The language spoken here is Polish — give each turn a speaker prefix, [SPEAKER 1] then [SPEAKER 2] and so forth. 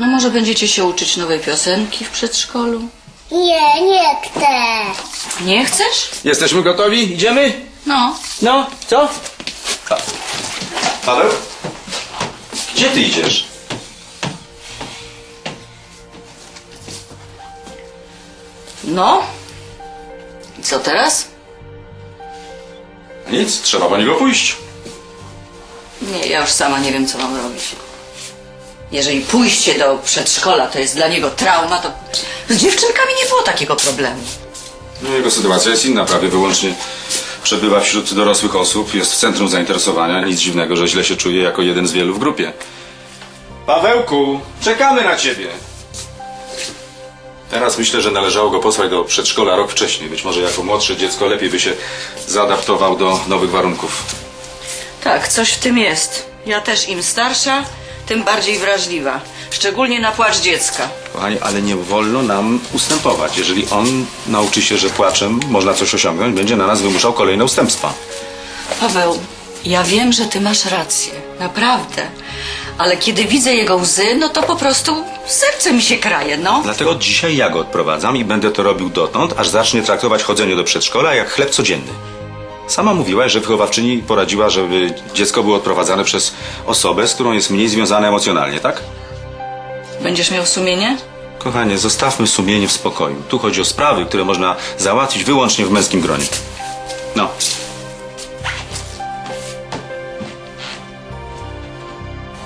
[SPEAKER 1] No może będziecie się uczyć nowej piosenki w przedszkolu?
[SPEAKER 2] Nie chcę.
[SPEAKER 1] Nie chcesz?
[SPEAKER 3] Jesteśmy gotowi? Idziemy?
[SPEAKER 1] No.
[SPEAKER 3] No, co? Paweł? Gdzie ty idziesz?
[SPEAKER 1] No? I co teraz?
[SPEAKER 3] Nic, trzeba po niego pójść.
[SPEAKER 1] Nie, ja już sama nie wiem, co mam robić. Jeżeli pójście do przedszkola to jest dla niego trauma, to z dziewczynkami nie było takiego problemu.
[SPEAKER 3] No, jego sytuacja jest inna, prawie wyłącznie przebywa wśród dorosłych osób, jest w centrum zainteresowania. Nic dziwnego, że źle się czuje jako jeden z wielu w grupie. Pawełku, czekamy na ciebie. Teraz myślę, że należało go posłać do przedszkola rok wcześniej. Być może jako młodsze dziecko lepiej by się zaadaptował do nowych warunków.
[SPEAKER 1] Tak, coś w tym jest. Ja też im starsza, tym bardziej wrażliwa. Szczególnie na płacz dziecka.
[SPEAKER 3] Kochani, ale nie wolno nam ustępować. Jeżeli on nauczy się, że płaczem można coś osiągnąć, będzie na nas wymuszał kolejne ustępstwa.
[SPEAKER 1] Paweł, ja wiem, że ty masz rację. Naprawdę. Ale kiedy widzę jego łzy, no to po prostu serce mi się kraje, no.
[SPEAKER 3] Dlatego dzisiaj ja go odprowadzam i będę to robił dotąd, aż zacznie traktować chodzenie do przedszkola jak chleb codzienny. Sama mówiłaś, że wychowawczyni poradziła, żeby dziecko było odprowadzane przez osobę, z którą jest mniej związane emocjonalnie, tak?
[SPEAKER 1] Będziesz miał sumienie?
[SPEAKER 3] Kochanie, zostawmy sumienie w spokoju. Tu chodzi o sprawy, które można załatwić wyłącznie w męskim gronie. No.